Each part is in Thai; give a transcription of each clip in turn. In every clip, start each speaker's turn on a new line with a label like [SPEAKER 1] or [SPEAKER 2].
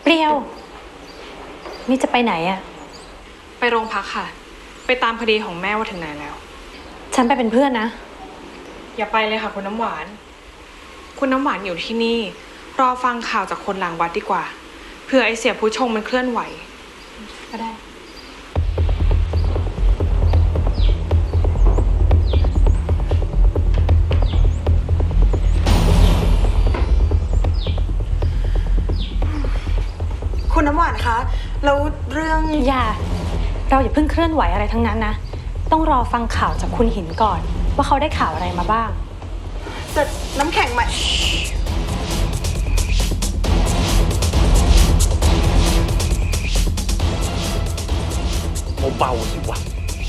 [SPEAKER 1] เปรี้ยวนี่จะไปไหนอะ
[SPEAKER 2] ไปโรงพักค่ะไปตามคดีของแม่ว่าถึงไหนแล้ว
[SPEAKER 1] ฉันไปเป็นเพื่อนนะ
[SPEAKER 2] อย่าไปเลยค่ะคุณน้ำหวานคุณน้ำหวานอยู่ที่นี่รอฟังข่าวจากคนหลังวัดดีกว่าเผื่อไอเสียผู้ชงมันเคลื่อนไหว
[SPEAKER 1] ก็ได้
[SPEAKER 3] คุณน้ำหวานคะแล้วเรื่อง
[SPEAKER 1] เราอย่าเพิ่งเคลื่อนไหวอะไรทั้งนั้นนะต้องรอฟังข่าวจากคุณหินก่อนว่าเขาได้ข่าวอะไรมาบ้าง
[SPEAKER 3] แต่น้ำแข็งใหม่
[SPEAKER 4] เบาๆสิวะ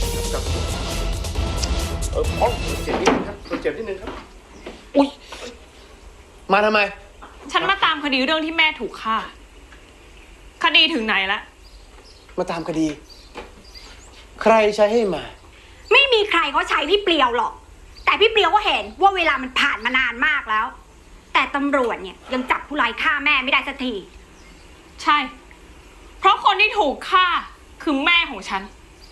[SPEAKER 4] พอเจ็บนิดนึงครับเจ็บนิดนึงครับอุ๊ยมาทำไม
[SPEAKER 2] ฉันมาตามคดีเรื่องที่แม่ถูกฆ่าคดีถึงไหนละ
[SPEAKER 4] มาตามคดีใครใช้ให้มา
[SPEAKER 5] ไม่มีใครเขาใช้พี่เปลียวหรอกแต่พี่เปลียวก็เห็นว่าเวลามันผ่านมานานมากแล้วแต่ตำรวจเนี่ยยังจับผู้ร้ายฆ่าแม่ไม่ได้สักที
[SPEAKER 2] ใช่เพราะคนที่ถูกฆ่าคือแม่ของฉัน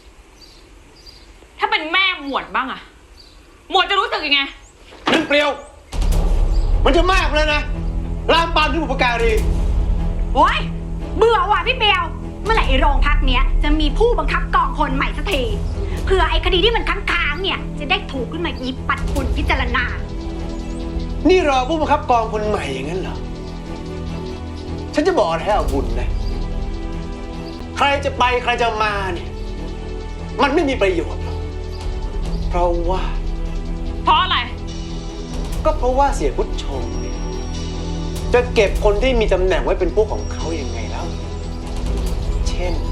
[SPEAKER 2] ถ้าเป็นแม่หมวดบ้างอะหมวดจะรู้สึกยังไง
[SPEAKER 4] นั่นเปรียวมันจะมากแล้วนะลามปามที่บุปการี
[SPEAKER 5] โอ๊ยเบื่อว่ะพี่เปลียวเมื่อไหร่ไอ้โรงพักเนี้ยจะมีผู้บังคับกองคนใหม่สักทีเพื่อไอ้คดีที่มันค้างๆเนี่ยจะได้ถูกขึ้นมาหยิบปัดฝุ่นพิจารณา
[SPEAKER 4] นี่รอผู้บังคับกองคนใหม่อย่างนั้นเหรอฉันจะบอกให้เอาบุญนะใครจะไปใครจะมาเนี่ยมันไม่มีประโยชน์หรอกเพราะ
[SPEAKER 2] อะไร
[SPEAKER 4] ก็เพราะว่าเสียพุทธชงเนี่ยจะเก็บคนที่มีตำแหน่งไว้เป็นพวกของเขาอย่างไงแล้วเช่น